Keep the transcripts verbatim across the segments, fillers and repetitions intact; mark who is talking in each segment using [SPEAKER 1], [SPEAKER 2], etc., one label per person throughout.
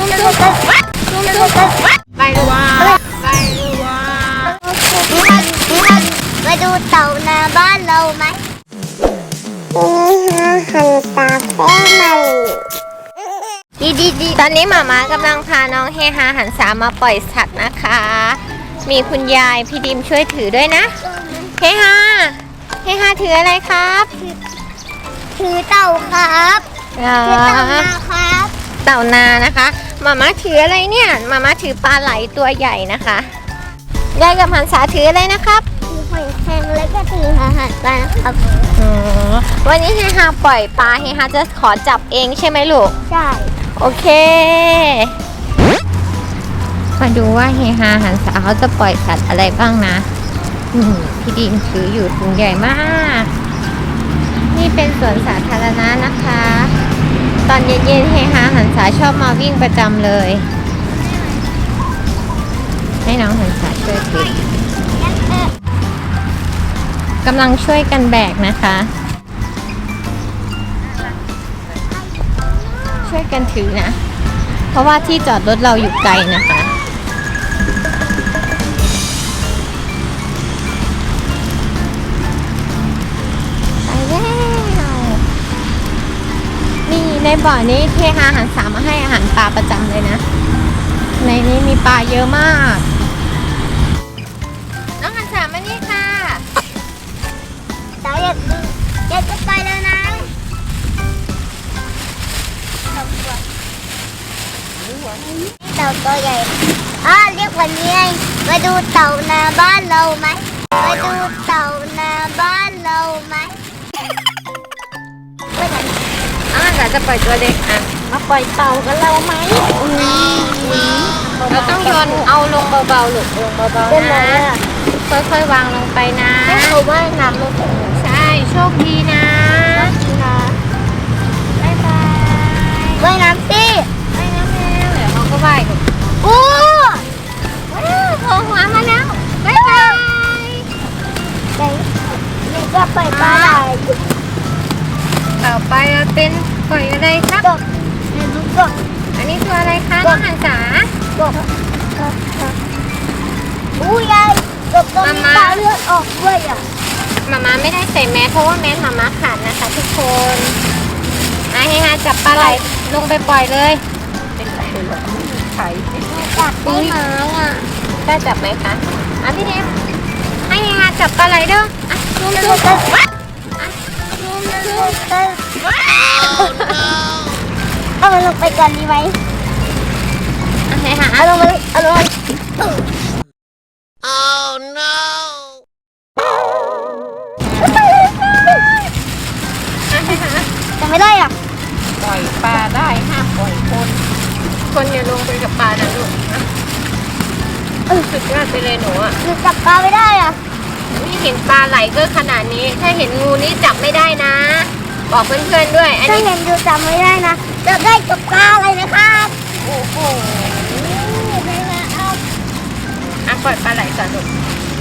[SPEAKER 1] ไปดูว่าไปดูว่า
[SPEAKER 2] มาดูเต่านาบ้านเราไหมหันตาแป้มาดีดีดี
[SPEAKER 1] ตอนนี้หมาม้ากำลังพาน้องเฮฮาหันษามาปล่อยสัตว์นะคะ มีคุณยายพี่ดิมช่วยถือด้วยนะเฮฮาเฮฮาถืออะไรครับ
[SPEAKER 2] ถือเต่าครับถือเต่านาครับ
[SPEAKER 1] เต่านานะคะหมาม้าถืออะไรเนี่ยหมาม้าถือปลาไหลตัวใหญ่นะคะยายกับหันษาถืออะไรนะครับ
[SPEAKER 2] ถือหอยแครงแล้วก็ถืออาหารปลานะครับ
[SPEAKER 1] วันนี้เฮฮาปล่อยปลาเฮฮาจะขอจับเองใช่ไหมลูก
[SPEAKER 2] ใช่
[SPEAKER 1] โอเคมาดูว่าเฮฮาหันษาเขาจะปล่อยสัตว์อะไรบ้างนะพี่ดิมถืออยู่ถุงใหญ่มากนี่เป็นสวนสาธารณะนะคะตอนเย็นๆเฮฮาหันษาชอบมาวิ่งประจำเลยให้น้องหันษาช่วยถือกำลังช่วยกันแบกนะคะช่วยกันถือนะเพราะว่าที่จอดรถเราอยู่ไกลนะคะไปแล้วนี่ในบ่อนี้เทหาอาหารสามมาให้อาหารปลาประจำเลยนะในนี้มีปลาเยอะมากน้องหันสามมานี่ค่ะ
[SPEAKER 2] เต่าอยากอยากจะไปแล้วนะเต่าตัวใหญ่อ่าเรียกวันนี้มาดูเต่านาบ้านเราไหมมาดูเต่านาบ้านเราไหม
[SPEAKER 1] อ่าเราจะปล่อยตัวเด็กอ่ะ
[SPEAKER 2] มาปล่อยเต่ากันเราไหม
[SPEAKER 1] เราต้องโยนเอาลงเบาๆหลุดลงเบาๆนะค่อยๆวางลงไปนะ
[SPEAKER 2] ให้เขาว่ายน้ำลงไป
[SPEAKER 1] ใช่โชคดีนะบ๊ายบาย
[SPEAKER 2] ว่ายน้ำสิ
[SPEAKER 1] ว่ายน้ำแล้วเดี๋ยวเขาก็ว่าย
[SPEAKER 2] โอ้
[SPEAKER 1] โผล่หัวมาแล้วบ๊ายบาย
[SPEAKER 2] ไหนนี่ก็ปล่อยปลาไหล
[SPEAKER 1] ต่อไปเราเป็นปล่อยอะไรครับ
[SPEAKER 2] กบนี่ลูกกบ
[SPEAKER 1] อันนี้ตัวอะไรคะน้องหันษาก
[SPEAKER 2] บอู้ยายกบตัวนี้ตาเลือดออกด้วยอ่ะ
[SPEAKER 1] มาม่าไม่ได้ใส่แมสเพราะว่าแมสมาม่าขาดนะคะทุกคนอ่ะให้ฮาจับปลาไหลลงไปปล่อยเลยเป็นไรหรอไข่
[SPEAKER 2] จับได้ไหมอ่ะ
[SPEAKER 1] ได้จับไหมคะอ่ะพี่เดมให้ฮาจับปลาไหลด้วยอ่ะซูมซูมซูมซูมซูม
[SPEAKER 2] เอามันลงไปก่อนดีไหม
[SPEAKER 1] อ่ะให้ฮา
[SPEAKER 2] เอาลงมาเอาลงมา
[SPEAKER 1] Oh no
[SPEAKER 2] แต่ไม่ได้อ่ะ
[SPEAKER 1] ปล่อยปลาได้ห้ามปล่อยคนคนอย่าลงไปกับปลานะลูกนะสุดยอดไปเลยหนูอ่ะ
[SPEAKER 2] หนูจับปลาไม่ได้อ่ะ
[SPEAKER 1] นี่เห็นปลาไหลก็ขนาดนี้ถ้าเห็นงูนี่จับไม่ได้นะบอกเพื่อนๆด้วย
[SPEAKER 2] อันนี้ถ้าเห็นดูจับไม่ได้นะจับได้กับปลาอะไรนะครับ
[SPEAKER 1] โอ้โหอ่ะปล่อยปลาไหลก่อนลูก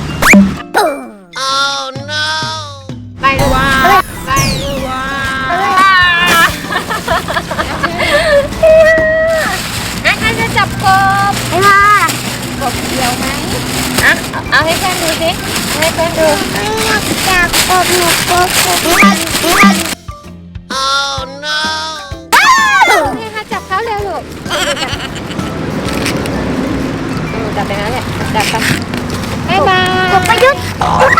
[SPEAKER 1] Oh no ไปดูว่าไปดูว่าอ่ะใครจะจับกบ
[SPEAKER 2] ไอ้ค่ะ
[SPEAKER 1] กบเดียวไหมอ่ะเอาให้เพื่อนดูสิให้เพื่อนดู
[SPEAKER 2] ไม่อยากจับกบหนูกบกบ
[SPEAKER 1] มันมัน Oh no ให้ค่ะจับเขาเร็วลูกจับไปงั้นแหละจับไปบ๊ายบาย
[SPEAKER 2] กบประยุทธ์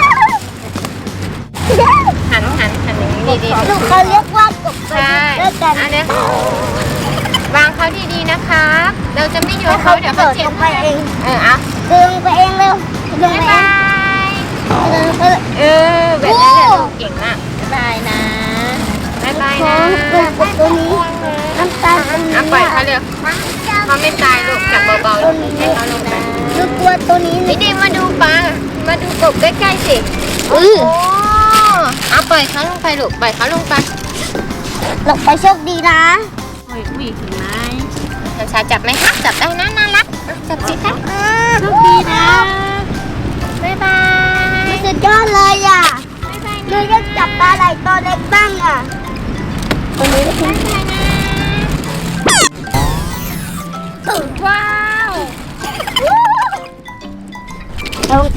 [SPEAKER 1] หันหันหันอย่างนี้ดี
[SPEAKER 2] ๆลูกเขาเรียกว่ากบประยุทธ์ด้วยกัน
[SPEAKER 1] อันนี้วางเขาดีๆนะคะเราจะไม่โยนเขาเดี๋ยวเขาเจ็บ
[SPEAKER 2] ไปเอง
[SPEAKER 1] เอออ่ะ
[SPEAKER 2] ดึงไปเองเร็วดึงไปเอง
[SPEAKER 1] เออแบบนั้นแหละลูกเก่งมากบ๊ายบายนะบ๊ายบายนะ
[SPEAKER 2] กบตัวนี้น้ำตาลตัวนี้
[SPEAKER 1] อ่ะปล่อยเขาเร็วเขาไม่ตายลูกจับเบาๆให้เขาลงไป
[SPEAKER 2] ดูตัวตัวนี้
[SPEAKER 1] นี่ดิมาดูปลามาดูกบใกล้ๆสิโอ้เอาปล่อยเขาลงไปลูกปล่อยเขาลงไป
[SPEAKER 2] ลงไปโชคดีนะ
[SPEAKER 1] โอ้ยอุ้ยเห็นไหมหันษาจับไหมคะจับได้นะน่ารักจับสิคะ
[SPEAKER 2] โชคดีนะ
[SPEAKER 1] บ๊ายบาย
[SPEAKER 2] สุดยอดเลยอ่ะเลยจะจับปลาไหลตัวเล็กบ้างอ่ะตรงนี้บ๊ายบายนะ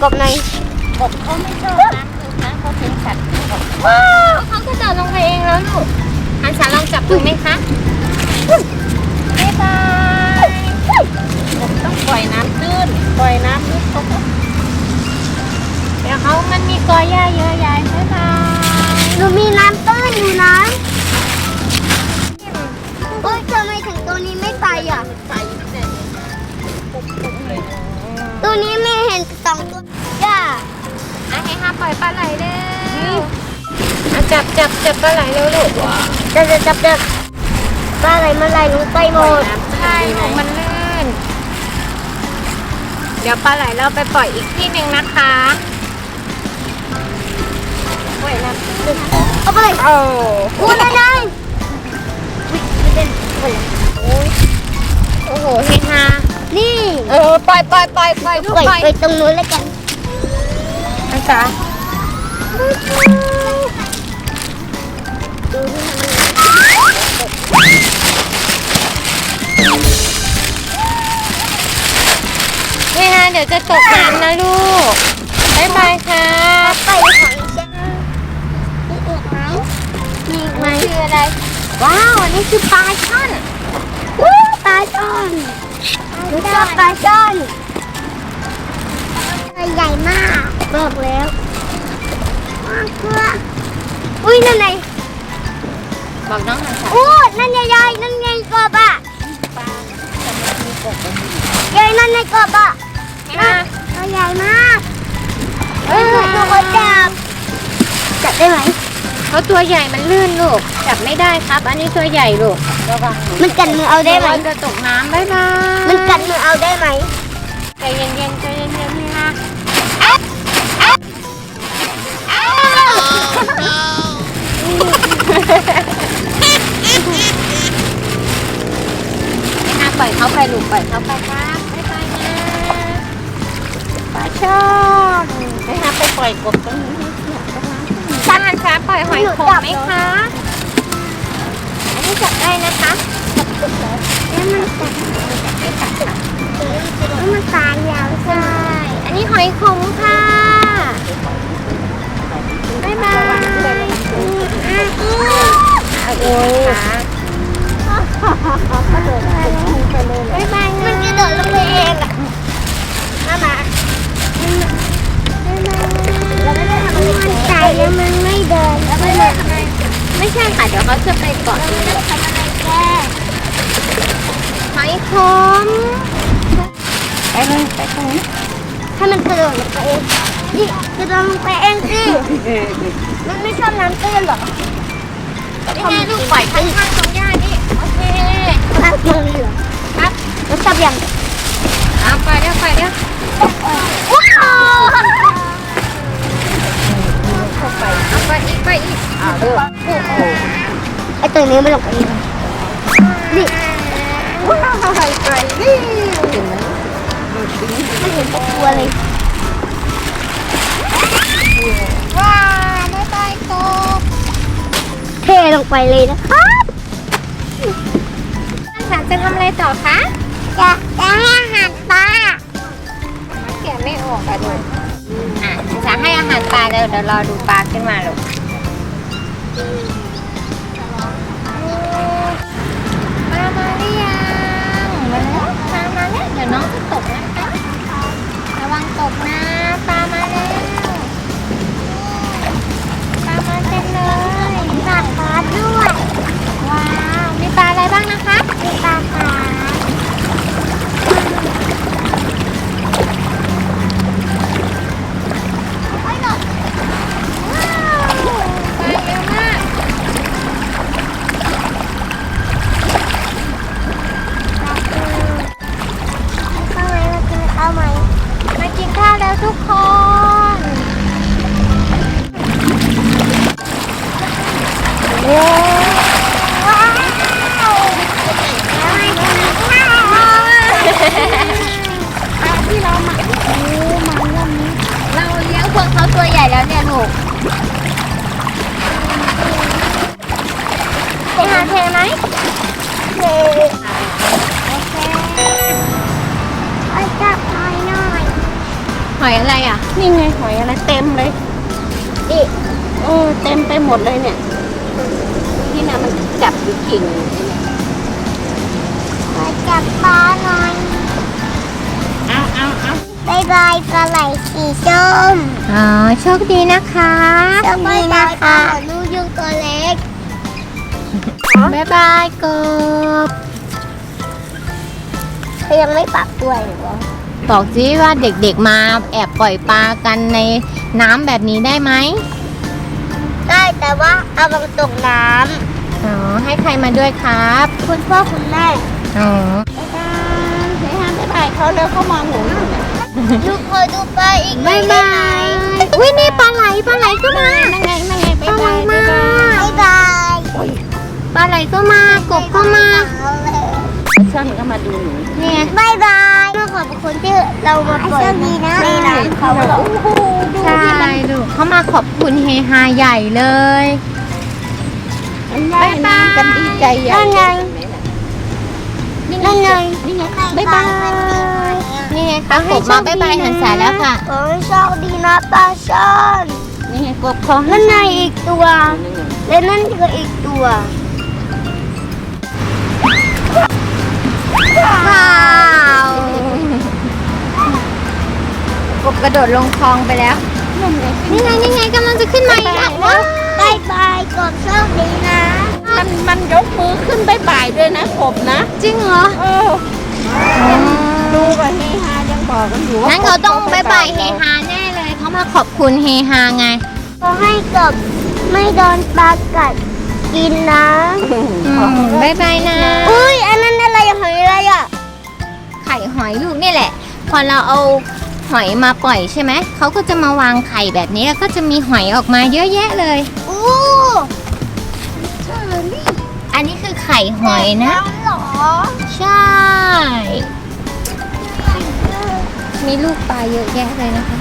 [SPEAKER 2] กบหน่อย
[SPEAKER 1] กบเขาไม่ชอบน้ำลึกนะเขาเป็นสัตว์ว้าวเขาก็เดินลงไปเองแล้วลูกอันสาลองจับดูไหมคะบ๊ายบายกบต้องปล่อยน้ำตื้นปล่อยน้ำลึกเขาก็เดี๋ยวเขามันมีกอหญ้าเยอะแยะบ๊ายบาย
[SPEAKER 2] หนูมีน้ำตื้นอยู่นะโอ๊ยทำไมถึงตัวนี้ไม่ไปอ่ะ
[SPEAKER 1] ใส่เนี่ยปุ๊บปุ๊บเลย
[SPEAKER 2] ตัวนี้ไม่เห็นสองตัวย่า
[SPEAKER 1] อ่ะให้ห้าปล่อยปลาไหลเร็วอ่ะจับจับจับปลาไหลเร็วลูก
[SPEAKER 2] จะจะจับจับปลาไหลมาไหลลงไปหมด
[SPEAKER 1] ใช่ลูกมันลื่นเดี๋ยวปลาไหลเราไปปล่อยอีกที่หนึ่งนะคะปล่อยน้ำตื้น
[SPEAKER 2] เอาไปเลย
[SPEAKER 1] โอ้
[SPEAKER 2] อู้นั่นไงไม่เป็นคน
[SPEAKER 1] โอ้โหเฮฮา
[SPEAKER 2] นี่
[SPEAKER 1] เออปล่อยปล่อยปล่อยปล่อยลูก
[SPEAKER 2] ปล่อย
[SPEAKER 1] ปล่อย
[SPEAKER 2] ไปตรงนู้นแล้วกัน
[SPEAKER 1] นะจ๊ะเฮฮาเดี๋ยวจะตกน้ำนะลูกบ๊ายบายค่ะ
[SPEAKER 2] ไปของเช่นมีอีกไหมมีอีกไหม
[SPEAKER 1] มันคืออะไร ว้าวอันนี้คือปลาช่อน
[SPEAKER 2] วู้ปลาช่อนหนูชอบปลาช่อนตัวใหญ่มากบอกแล้วมากเพื่ออุ้ยนั่นไง
[SPEAKER 1] บอกน้องหน่อยค่ะ
[SPEAKER 2] อู้นั่นใหญ่ๆนั่นไงกบอ่ะ
[SPEAKER 1] ปลาแต่มันมีกบมันมี
[SPEAKER 2] ใหญ่นั่นไงกบอ่ะ
[SPEAKER 1] เฮฮา
[SPEAKER 2] ตัวใหญ่มากเออหนูขอจับจับได้ไหม
[SPEAKER 1] เพราะตัวใหญ่มันลื่นลูกจับไม่ได้ครับ อันนี้ตัวใหญ่ลูกระวัง
[SPEAKER 2] มันกัดมือเอาได้ไหม
[SPEAKER 1] จะตกน้ำบ๊ายบาย
[SPEAKER 2] มันกัดมือเอาได้ไหม
[SPEAKER 1] ใจเย็นๆใจเย็นๆเฮฮาเฮฮาปล่อยเขาไปลูกปล่อยเขาไปครับบ๊ายบายนะปลาช่อนเฮฮาไปปล่อยกบตรงนี้ช้าช้าปล่อยหอยโขงไหมคะอันนี้จับได้นะคะ
[SPEAKER 2] แล้วมันกัดแล้วมันตายยาวใช่
[SPEAKER 1] อันนี้หอยขมค่ะบ๊ายบายโอ้ยบ๊ายบาย
[SPEAKER 2] มันกระโดดลงไปเองอ่ะมามาเราไม่ได้ทำอะไรมันตายแล้วมันไม่เดินแล้วไม่ได้ทำอะไร
[SPEAKER 1] ไม่ใช่ค่ะ เดี๋ยวเขาจะไปเกาะ
[SPEAKER 2] เราไม่ได้ทำอะไรแก
[SPEAKER 1] หอยขมไปเลยไปตรงนี้
[SPEAKER 2] ให้มันกระโดดลงไปเองนี่กระโดดลงไปเองสิมันไม่ชอบน้ำตื้นหรอ
[SPEAKER 1] นี่ไงลูกปล่อยข้างๆตรงหญ้านี่โอเค
[SPEAKER 2] น้ำตื้นเหรอ
[SPEAKER 1] ครับ
[SPEAKER 2] แล้วจับยัง
[SPEAKER 1] เอาไปเดี๋ยวไปเดี๋ยว
[SPEAKER 2] ว้าว
[SPEAKER 1] เอาไปอีกไปอีกอ่าเด้อ
[SPEAKER 2] ไอตัวนี้มันลงไปเองนี่ว้าวไก่นี่มันเห็นตัวเลย
[SPEAKER 1] ว้าวไม่ไปกบ
[SPEAKER 2] เทลงไปเลยนะครับ
[SPEAKER 1] สามจะทำอะไรต่อคะ
[SPEAKER 2] จะจะให้อาหารปลา
[SPEAKER 1] แกะไม่ออกอะดูอ่ะจะให้อาหารปลาเดี๋ยวเดี๋ยวรอดูปลาขึ้นมาลูกปลามาหรือยังมาแล้วปลามาแล้วเดี๋ยวน้องจะตกนะคะระวังตกนะปลามาแล้วปลามาเต็มเลย
[SPEAKER 2] ปลาคาร์ฟด้วย
[SPEAKER 1] ว้าวมีปลาอะไรบ้างนะคะ
[SPEAKER 2] มีปลาคาร์ฟ
[SPEAKER 1] ว้าวปลาเยอะมากหอยอะไรอ่ะ
[SPEAKER 3] นี่ไงหอยอะไรเต็มเลย
[SPEAKER 2] ดิ
[SPEAKER 3] เออเต็มไปหมดเลยเนี่ยนี่นะมันจับอยู่กิ่งเนี่ย
[SPEAKER 2] มาจับปลาหน่อย
[SPEAKER 3] เอาเอาเอา
[SPEAKER 2] บายบายปลาไหลสีส้ม
[SPEAKER 1] อ๋อโชคดีนะคะ
[SPEAKER 2] สวัสดีนะคะลูกยุงตัวเล็ก
[SPEAKER 1] บ๊ายบายกบ
[SPEAKER 2] เขายังไม่ปักด้วยหรือวะ
[SPEAKER 1] บอกสิว่าเด็กๆมาแอบปล่อยปลากันในน้ำแบบนี้ได้ไหม
[SPEAKER 2] ได้แต่ว่าเอาบางตกน้
[SPEAKER 1] อ๋อให้ใครมาด้วยครับ
[SPEAKER 2] ำคุณพ่อคุณแม่
[SPEAKER 1] อ๋อ
[SPEAKER 3] บ๊ายบายเฮ้ยฮะบ๊ายบายเขาแล้วเขามองหนูอยู่เนี่ย
[SPEAKER 2] ลูกขอดูปลาอีกหน่
[SPEAKER 1] บ๊า
[SPEAKER 2] อย
[SPEAKER 1] ย
[SPEAKER 2] ได้
[SPEAKER 1] บา
[SPEAKER 2] ไหม
[SPEAKER 1] ยอุ้ยนี่ปลาไหลปลาไหลก็มา
[SPEAKER 3] นั่งไงนั่งไง
[SPEAKER 1] ป
[SPEAKER 3] บ๊า
[SPEAKER 1] ลาย ไหล
[SPEAKER 3] บาย
[SPEAKER 1] มา
[SPEAKER 3] บ๊ายบาย
[SPEAKER 2] บายบาย
[SPEAKER 1] ปลาไหลก็มากบก็มา
[SPEAKER 3] ช่อนก็มาดูหนู
[SPEAKER 1] เนี่ย
[SPEAKER 2] บายบายเมื่อขอบคุณที่เรามาปล่อยในน้ำเขาบอก
[SPEAKER 3] โอ้โหดู
[SPEAKER 1] ใช่
[SPEAKER 3] ที่มัน
[SPEAKER 1] ลูกเขามาขอบคุณเฮฮาใหญ่เลย
[SPEAKER 3] มันว่ายน้ำกันดีใจใหญ่
[SPEAKER 2] นั่นไง
[SPEAKER 3] นี่
[SPEAKER 2] นั่นไง
[SPEAKER 3] นี่ไงบ๊ายบาย
[SPEAKER 1] นี่ไงคะกบมาบ๊ายบายหันษาแล้วค่ะ
[SPEAKER 2] ขอให้โชคดีนะปลาช่อน
[SPEAKER 3] นี่ไงกบคอให้
[SPEAKER 2] นั่นไงอีกตัว และนั่นก็อีกตัว
[SPEAKER 1] ว้าวกบกระโดดลงคลองไปแล้ว นี่ไงนี่ไงกำลังจะขึ้นมาอีกแล้วว้าว
[SPEAKER 2] บายบายกบโชคดีนะ
[SPEAKER 3] มันมันยกมือขึ้นบ๊ายบายด้วยนะกบนะ
[SPEAKER 1] จริงเหรอ
[SPEAKER 3] เออดูกับเฮฮายังบอกกันอยู่ว่า
[SPEAKER 1] งั้นเขาต้องบ๊ายบายเฮฮาแน่เลยเขามาขอบคุณเฮฮาไง
[SPEAKER 2] ขอให้กบไม่โดนปลากัดกินนะ
[SPEAKER 3] อืม
[SPEAKER 1] อืมบ๊ายบายนะ
[SPEAKER 2] อุ้ยอันนั้นอะไรหอยอะไรอ่ะ
[SPEAKER 1] ไข่หอยลูกนี่แหละ พอเราเอาหอยมาปล่อยใช่ไหม เขาก็จะมาวางไข่แบบนี้แล้วก็จะมีหอยออกมาเยอะแยะเลย
[SPEAKER 2] อู้
[SPEAKER 1] อันนี้คือไข่หอยนะ
[SPEAKER 2] หรอ
[SPEAKER 1] ใช่ มีลูกปลาเยอะแยะเลยนะคะ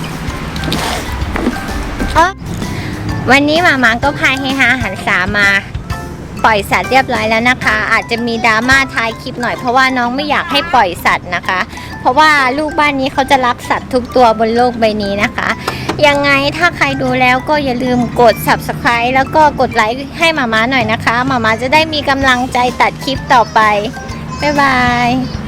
[SPEAKER 1] เอ้อวันนี้หมามาก็พาเฮฮาหันษามา ปล่อยสัตว์เรียบร้อยแล้วนะคะ อาจจะมีดราม่าท้ายคลิปหน่อยเพราะว่าน้องไม่อยากให้ปล่อยสัตว์นะคะ เพราะว่าลูกบ้านนี้เขาจะรักสัตว์ทุกตัวบนโลกใบนี้นะคะ ยังไงถ้าใครดูแล้วก็อย่าลืมกด ซับสไครบ์ แล้วก็กดไลค์ให้หมามาหน่อยนะคะหมามาจะได้มีกำลังใจตัดคลิปต่อไป บ๊ายบาย